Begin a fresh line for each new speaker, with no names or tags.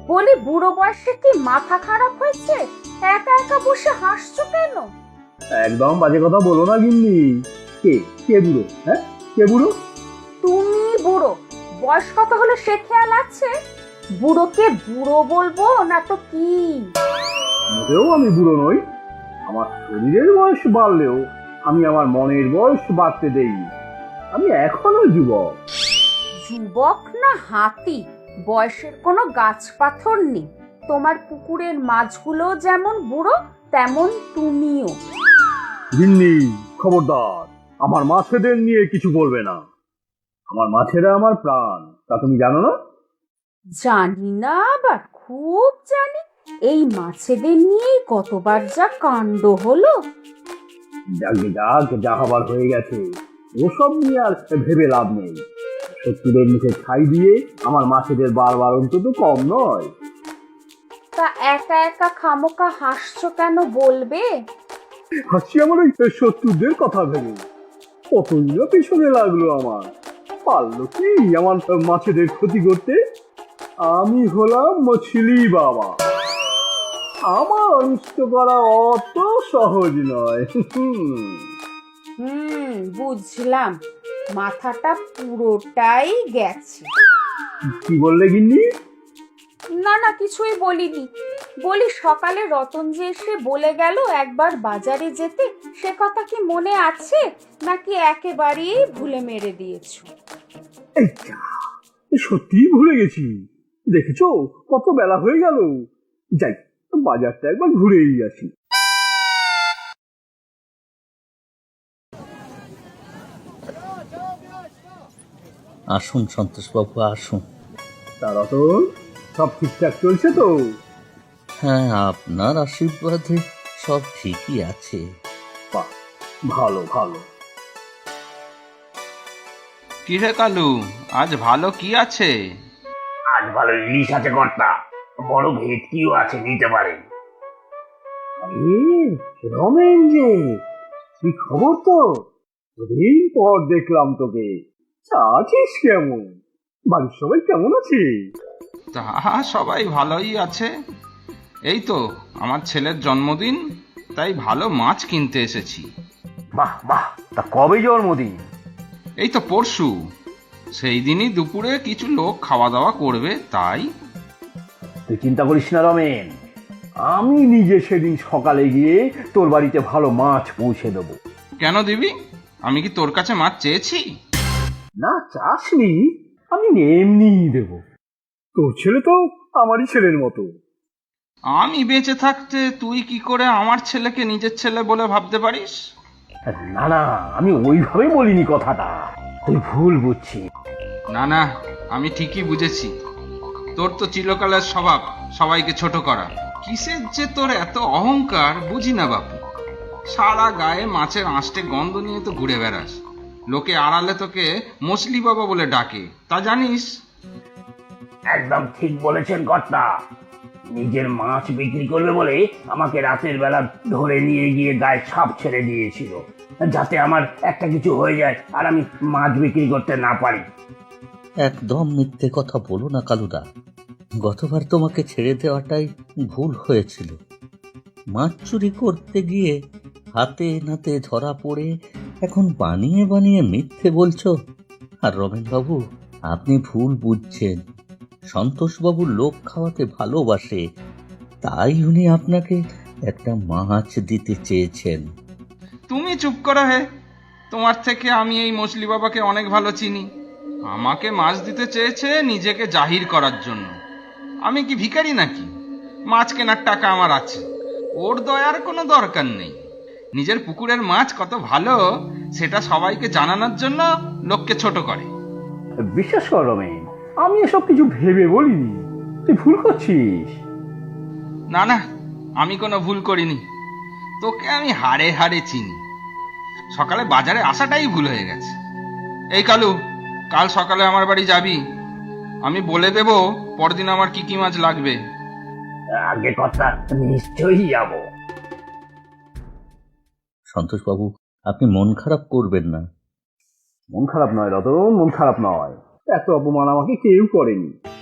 বলি বুড়ো বয়সে কি মাথা খারাপ হয়েছে? একা একা বসে হাসছো কেন?
একদম বাজে কথা বলো না গিন্নি। কে কে বুড়ো? হ্যাঁ, কে বুড়ো?
তুমি বুড়ো। বয়স কত হলো সে খেয়াল আছে? বুড়োকে বুড়ো বলবো না তো কি?
মোটেও আমি বুড়ো নই। আমার শরীরের বয়স বাড়লেও আমি আমার মনের বয়স বাড়তে দেই। আমি এখনো যুবক।
যুবক না হাতি, বয়সের কোনো গাছ পাথর নেই। তোমার পুকুরের মাছগুলো যেমন বুড়ো, তেমন তুমিও।
গিন্নি, খবরদার, আমার মাছেদের নিয়ে কিছু বলবে না। আমার মাছেরা আমার প্রাণ, তা তুমি জানো না?
জানি না, আবার খুব জানি। এই মাছেদের নিয়েই কতবার যা কাণ্ড হলো।
যাক যাক, যা হবার হয়ে গেছে। ওসব নিয়ে আর ভেবে লাভ নেই। শত্রুদের মুখে ছাই দিয়ে আমার মাছেদের বারবার অন্তত কম নয়।
তা একা একা খামোকা হাসছো কেন বলবে?
হাসি আমার ওই শত্রুদের কথা ভেবে। কতই না পেছনে লাগলো আমার। পারলো কি আমার মাছেদের ক্ষতি করতে? আমি হলাম মছলি বাবা। আমার অনিষ্ট করা অত সহজ নয়।
বুঝলাম। মাথাটা পুরোটাই গেছে।
কি বললে গিন্নি?
না না, কিছুই বলিনি। বলি সকালে রতন যে এসে বলে গেল একবার বাজারে যেতে, সে কথা কি মনে আছে নাকি একেবারেই ভুলে মেরে দিয়েছো?
এই যা, সত্যি ভুলে গেছি। দেখেছো কত বেলা হয়ে গেল। যাই, বাজারটা একবার ঘুরেই আসি।
আসুন সন্তোষবাবু, আসুন।
তা রতন, সব ঠিকঠাক চলছে তো?
হ্যাঁ, আপনার আশীর্বাদে সব ঠিকই আছে।
বাহ, ভালো ভালো।
কি হে কালু, আজ ভালো কি আছে?
আজ ভালো ইলিশ আছে কর্তা, বড় ভেটকিও আছে, নিতে পারেন। আরে রমেন যে, কি খবর তো? দিন পর দেখলাম তোকে। আছিস কেমন? বাড়ির সবাই কেমন আছে?
তা সবাই ভালোই আছে। এই তো আমার ছেলের জন্মদিন, তাই ভালো মাছ কিনতে এসেছি।
বাহ বাহ, তা কবে জন্মদিন?
এই তো পরশু। সেই দিনই দুপুরে কিছু লোক খাওয়া দাওয়া করবে, তাই।
তুই চিন্তা করিস না রমেন, আমি নিজে সেদিন সকালে গিয়ে তোর বাড়িতে ভালো মাছ পৌঁছে দেবো।
কেন দিবি? আমি কি তোর কাছে মাছ চেয়েছি?
না, চাসনি, আমি এমনিই দেব। তোর ছেলে তো আমারই ছেলের মতো।
আমি বেঁচে থাকতে তুই কি করে আমার ছেলেকে নিজের ছেলে বলে ভাবতে পারিস?
না না, আমি ওইভাবে বলিনি কথাটা, তুই ভুল বুঝছিস।
না না, আমি ঠিকই বুঝেছি। তোর তো চিরকালের স্বভাব সবাইকে ছোট করা। কিসের যে তোর এত অহংকার বুঝি না বাপু। সারা গায়ে মাছের আঁশটে গন্ধ নিয়ে তো ঘুরে বেড়াস। লোকে আড়ালে তোকে মছলি বাবা বলে ডাকে, তা জানিস?
একদম ঠিক বলেছেন কর্তা। নিজের মাছ বিক্রি করবে বলে আমাকে রাতের বেলা ধরে নিয়ে গিয়ে গায়ে ছাপ ছেড়ে দিয়েছিল, যাতে আমার একটা কিছু হয়ে যায় আর আমি মাছ বিক্রি করতে না পারি।
একদম মিথ্যে কথা বলো না কালুদা। গতবার তোমাকে ছেড়ে দেওয়াটাই ভুল হয়েছিল। মাছ চুরি করতে গিয়ে হাতে নাতে ধরা পড়ে এখন বানিয়ে বানিয়ে মিথ্যে বলছো। আর রমেনবাবু, আপনি ভুল বুঝছেন। সন্তোষবাবু লোক খাওয়াতে ভালোবাসে, তাই উনি আপনাকে একটা মাছ দিতে চেয়েছেন।
তুমি চুপ করো হে। তোমার থেকে আমি এই মছলি বাবাকে অনেক ভালো চিনি। আমাকে মাছ দিতে চেয়েছে নিজেকে জাহির করার জন্য। আমি কি ভিখারি নাকি? মাছ কেনার টাকা আমার আছে, ওর দয়ার কোনো দরকার নেই। নিজের পুকুরের মাছ কত ভালো সেটা সবাইকে জানানোর জন্য লোককে ছোট করে।
বিশ্বাস কর রমেন, আমি এসব কিছু ভেবে বলিনি, তুই ভুল করছিস।
না না, আমি কোনো ভুল করিনি। তোকে আমি হাড়ে হাড়ে চিনি। সকালে বাজারে আসাটাই ভুল হয়ে গেছে। এই কালু, কাল সকালে আমার বাড়ি যাবি। আমি বলে দেব পরদিন আমার কি কি মাছ লাগবে।
আগে কথা, নিশ্চয়ই যাব।
সন্তোষবাবু, আপনি মন খারাপ করবেন না।
মন খারাপ নয় রতন, মন খারাপ নয়। এত অপমান আমাকে কেউ করেনি।